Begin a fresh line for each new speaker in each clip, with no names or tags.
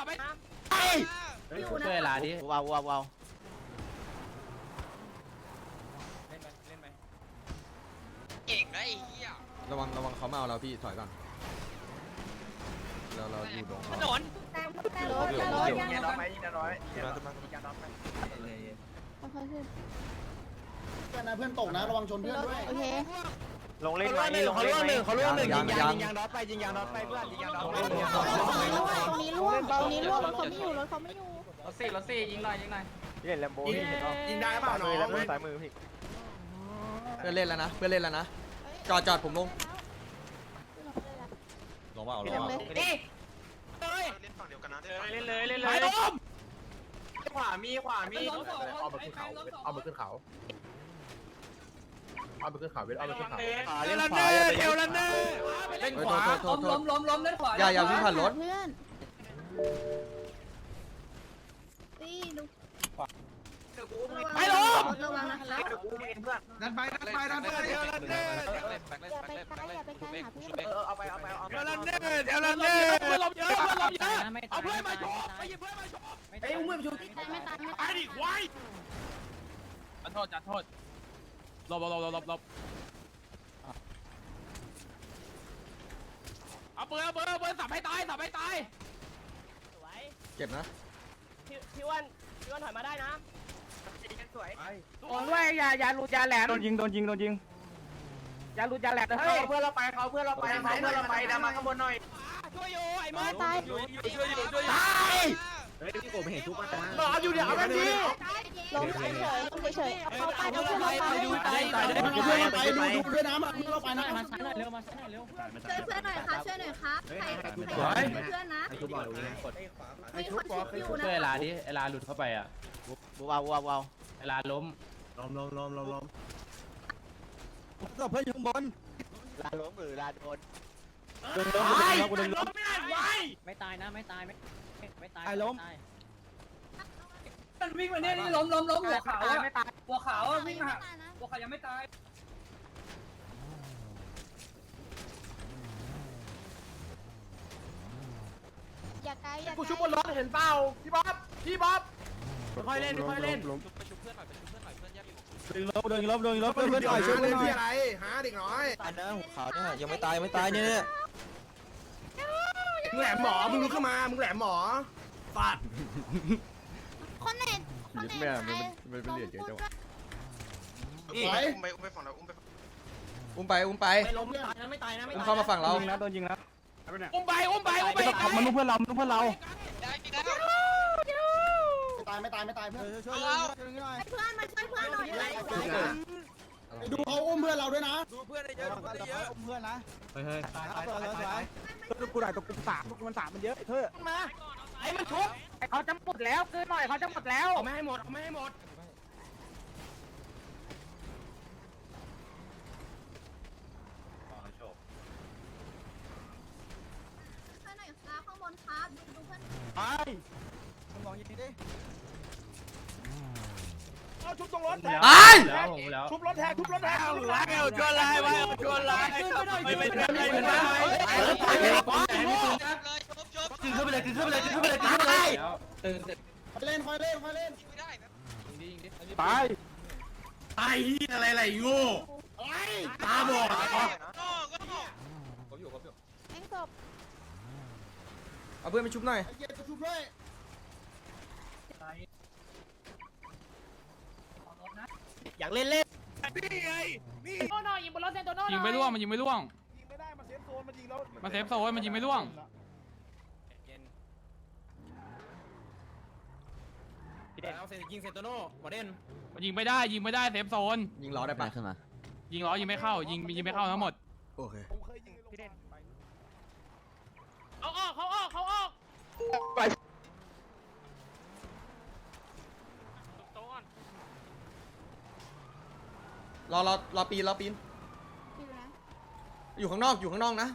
ไป
ช่วยลาดิว้าวว้าวว้าว
เล่นไป
เก่งนะไอ้เหี้ย
ระวังเขามาเอาเราพี่ถอยก่อนเราอยู่ตรง
ถนน
แต่รถยัง
ยิงน้อยยิงน้อย
เพื่อนนะเพื่อนตกนะระวังชนเพื่อนด้วย
โอเค
ลงเล่นไหมลงเล่นไหมเขาล่วงหนึ่งยิงยางน็อตไปยิงยางน็อตไปเพื่อนยิงยางน็อตไป
ตรงนี้ล่วงรถเขาไม่อยู่รถเขาไม่อยู่
รถสี่ยิงหน่อย
พี่เล่นแลมโบ้ยิงได้เปล่าน้องสายมือพี่
เพื่อนเล่นแล้วนะจอดผมลงมาเอาลงมา
นี่
เล่นฝั่งเดียวกันนะ
เล่นเลยขวามีเอามาขึ้นเขาเอามาขึ้นเขา
เล่นขวาเอวแล้วเนอ
เล่นขวาล้มเล่นขวา
อย่าวิ่งผ่านรถ
เพื่อนตีดู
ไปล้ม
ระวังนะคะ
ดันไป
อย่าไปไกลหาเพื่อน
เอาไป
เอวแล้วเนอ
เพื่อนล้มเยอะเอาเพื่อนมาชกไปหยิบเพื่อนมาชก
ไอ้อุ้มเพื่อนชู
ไม่ตาย
ไปดิควายจัดโทษหลบเอาเปิดสับให้ตาย
เจ็บนะ
พี่อ้วนถอยมาได้นะสวย
โอนด้วยอย่าหลุดอย่าแหลมโดนยิงอย่าหลุดอย่าแหลมเฮ้ยเพื่อนเราไปดันมาข้างบนหน่อย
ช่วยอยู่ไอ้มด
ตาย
ตาย
เฮ้ยพี่โกไม่เห็นทุกคนนะ
รออยู่เดี๋ยวเอาแบบนี้
ลงเฉยเข้าไปดู
เพื่อนไปดูด้วยนะมาเราไปนะ
ช่วยเพื่อนหน่อยค่ะช่วยหน่อยครับใครเพื่อนนะมีคนชุบอยู่นะ
ช่วยลาดิลาหลุดเข้าไปอ่ะว้าวว้าวว้าวลาล้มเพื่อนอยู่ข้างบนลาล้มหรือลาโดน
ไม่ตายนะไม่ตาย
ไอ้ล้ม
มันวิ่งมาเนี่ยนี่ล้มหัวขาวไม่ตายหัวขาววิ่งมาหัวขาวยังไม่ตาย
อย่าไกลอย่า
กูชุบบนรถเห็นเปล่าพี่บ๊อบค่อยเล่น
ไปชุบเพื่อนหน่อยเพื่อนแยกอยู่
เดินลบเพื่อนต่อยช่วยหน่อย
อะไรหาเด็กน้อย
อันนั้นหัวขาวเนี่ยยังไม่ตายเนี่ย
มึงแหลมหมอมึงลุกขึ้นมามึงแหลมหมอฟาด
คนไหน
แม่มันเป็นเหรียญเยอะจัง
อุ้มไปฝั่งเราอุ้มไป
อุ้มไป
ไม่ล้มไม่ตายนะ
อุ้มเข้ามาฝั่งเรา
โดนยิงแล้ว
อุ้มไป
มันเพื่อนเรา
ได้กี่ได้
ไม่ตายเพื่อนช่วย
เอา
เพื่อนมาช่วยเพื่อนหน่อย
ดูเขาอุ้มเพื่อนเราด้วยนะ
ดูเพื่อนได้เยอะ
อุ้มเพื่อนนะ
ตายกูได้ตัวกู3มัน3มันเยอะเธอ
มาไอ้มันชุบ
เขาจะหมดแล้วคือหน่อยเขาจะหมดแล้ว
เอาไม่ให้หมด
ช่วยหน่อยครับข้างบนครับดูเพื่อน
ไปมึงมองยิงดิ
เอาชุบตรงรถ
ตาย
ชุบรถแทนแล้วชวนไล่ไม่เป็นไร
ชุบ
ขึ้นไปเลยคอยเล่น
ไม่ได้นะ
ตาย
ไอ้อะไรโง่ตาบอด
แม่งศพ
เอาเพื่อนไปชุบหน่อย
เย็นชุบด้วย
อยากเล่นโน่ยิงบนรถเซนโตโน่ยิงไม่ร่วงมันยิงไม่ร่วงมันเซฟโซนมันยิงไม่ร่วงยิงเซนโตโน่ประเด็นมันยิงไม่ได้เซฟโซน
ยิงล้อได้ปะ
ยิงล้อยิงไม่เข้ายิงไม่เข้าทั้งหมด
โอเค
เขาออก
รอปีน
อยู่นะ
อยู่ข้างนอกนะ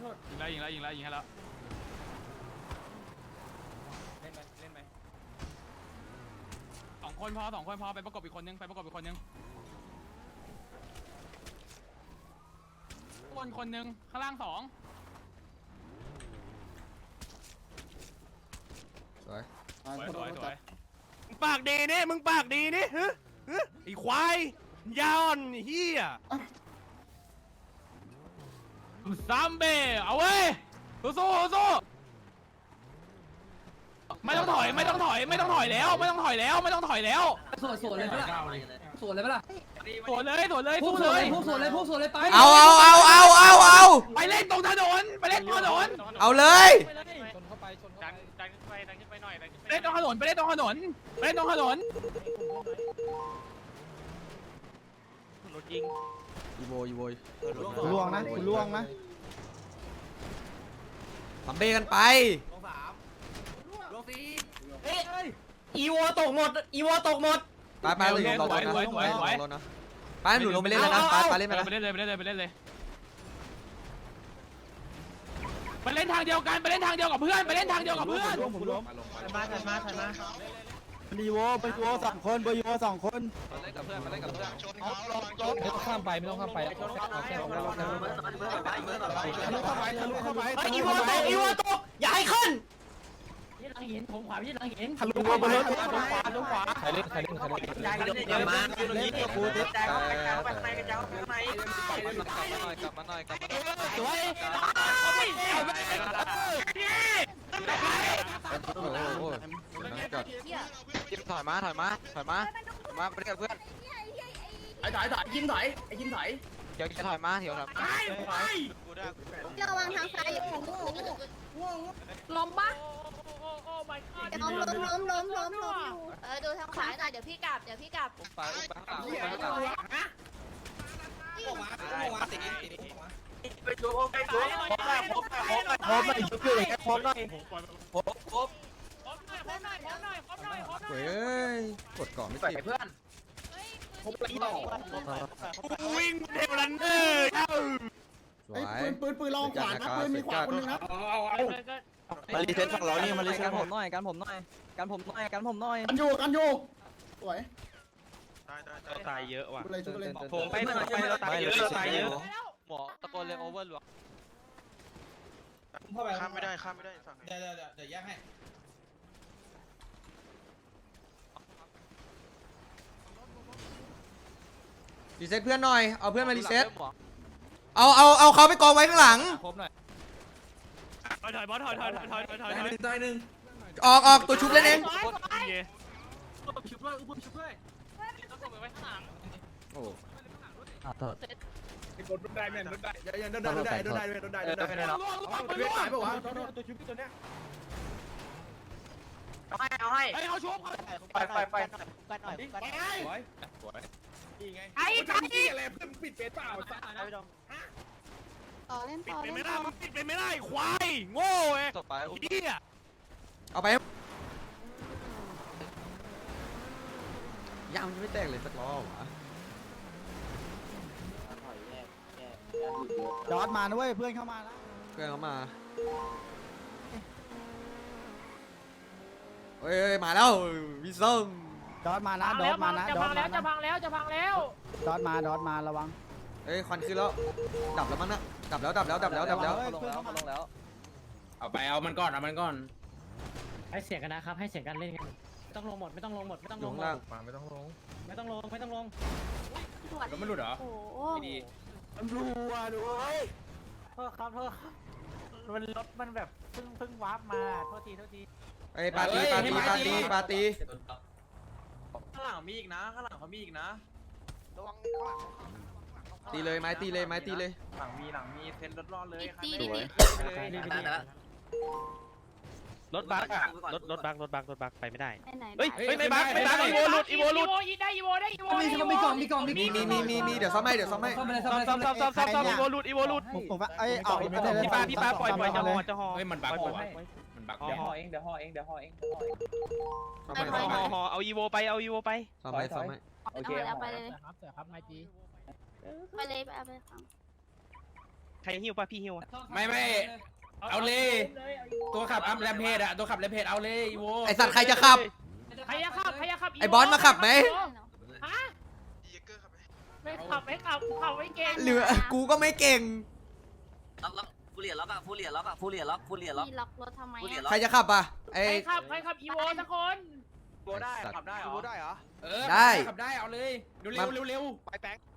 ยิงแล้วให้แล้วเล่นไปคนพอไปประกบอีกคนนึงคนนึงข้างล่าง2
สวย
สวย
ปากดีนี่มึงปากดีนี่ฮึไอ้ควายยอนเฮีย
ซัมเบเอาเว้ยสู้ไม่ต้องถอยแล้ว
สวนเลยปะล่ะสวนเลยปะล่ะ
สวนเลยสู้เลย
พวกสวนเลยไป
เอา
ไปเล่นตรงถนน
เอาเลย
ดันขึ้นไปหน่อยไปเล่นตรงถนน
รถยิง
อีโว
ล่วงนะ
ทำเบกันไป
อีโวตกหมด
ไปเลยรอนะไปหนูลงไปเล่นแล้วนะไปเล่นไป
ไปเล่นเลยไปเล่นทางเดียวกับเพื่อน
มาดีโวไปโว2 คนโว2 คน
ชนเขาระวังชนเขา
ข้ามไปไม่ต้องข้ามไป
ทะลุเข้าไป
อีโวตกอย่าให้ขึ้น
ที่หลังหินผมขวาที่หลังหิน
ทะลุเข้าไปเลย
ตรงขวา
ใครเล่น
เดี๋ยวมากูจะแจกไป
สวย
ถอยมาไปเล่นกับเพื่อน
ยิงถอย
เดี๋ยวจะถอยมา
ระวังทางซ้ายอย่าของล้มปะล้มอยู่ดูทางขวาหน่อยเดี๋ยวพี่กลับ
ไปชูไปชูพบหน่อยชุบเลยพบหน่อยพบ
เฮ้ยกดก่อนไม่ติด
เพื่อน
วิ่งเทวรันเนอร์
สวย
ปืนลองขวานะปืนมีขวาคนนึงนะ
มารีเซ็ตฝั่งเรานี่มารีเซ็ต
กันผมหน่อยกันผมหน่อย
กันอยู่สวย
ตายเยอะว่ะ
อะไรชุบอะไร
ผมไปเราตายเยอะ
หมอตะโกนเลยโอเวอร์หลวง
ข้ามไม่ได้ฝั่ง
เดี๋ยวแยกให้
รีเซ็ตเพื่อนหน่อยเอาเพื่อนมารีเซ็ตเอาเขาไปกองไว้ข้างหลัง
ครบหน่อย
ถอยบอสถอย
ออกตัวชุบเล่นเอง
ชุบด้วยอุ้มชุบด้วยต้องส่งไปไว้ข้างหลัง
โอ้
กดโดนได้ยังโดนได้ตายป่าวะตัวชุบตัวเนี้ย
เอาให้
เขาชุบ
ไป
ไอ้อะไรเพื่อนปิดเฟซเปล่า
ต่อเล่น
ปิดไปไม่ได้ควายโง่เอ้ย
ต่อไป
เหี้ย
เอาไปยังไม่แตกเลยสักรอบวะ
จอดมานะเว้ยเพื่อนเข้ามาแล้ว
เพื่อนเขามาเฮ้ยมาแล้ววิซง
จอดมานะดอดมานะ
จะพังแล้วจะพังแล้ว
ดอดมาระวัง
เฮ้ยควันขึ้นแล้วดับแล้วมั้งนะดับแล้ว
ลงแล้ว
เอามันก่อนให้เสียงกันนะครับให้เสียงกันเล่นกันไม่ต้องลงหมด
อยู่ข้างล่าง
ไม่ต้องลง
แล้วมันหลุดเหรอโอ้โห
มันรัวด้วย
โทษครับมันรถมันแบบเพิ่งวาร์ปมาโทษที
ไอ้ปาร์ตี้
ข้างหลังมีอีกนะข้างหลังเขามีอีกนะ
ตีเลยไม้ตีเลย
หลังมีเซ็นรถรอดเลย
ตี
รถบักอะรถบักไปไม่ได้
ไปไหน
เฮ้ยไม่บักอีโวหลุด
อีโวได้อีโว
มีกล่อง
มีเดี๋ยวซ่อมให้
ซ่อมไปเลย
ซ่อมอีโวหลุด
ผมว่าออกไปเลย
พี่ปาปล่อยจะห่อ
เฮ้ยมันบัก
ปล่อย
มันบักเดี๋ยวห่อเองเดี๋ยวห่อเอง
ห่อเอาอีโวไป
ซ่อมให้
โอเค
เอาไปเลย
ครับไม่จี
ไปเลยเอาไป
ใครหิ้วป่ะพี่หิ้ว
ไม่เอาเลยตัวขับอัพแรมเพจอะตัวขับแรมเพจเอาเลยอีโว
ไอสัตว์ใครจะขับ
ใครจะขับ
ไอ้บอสมาขับไหม
ฮะไม่ขับไม่เก่ง
หรือกูก็ไม่เก่ง
ล็อกฟูเรียล็อกฟูเรียล็อกฟูเรียล็อกฟูเรียล็อก
พี่ล็อกรถทำไม
ใครจะขับอ่ะไอ้
ใครขับอีโวสักคน
โบได้ขับได้เหรอ
ได้เหรอ
ได้ขับได้เอาเลยเร็ว
ไปแบงค์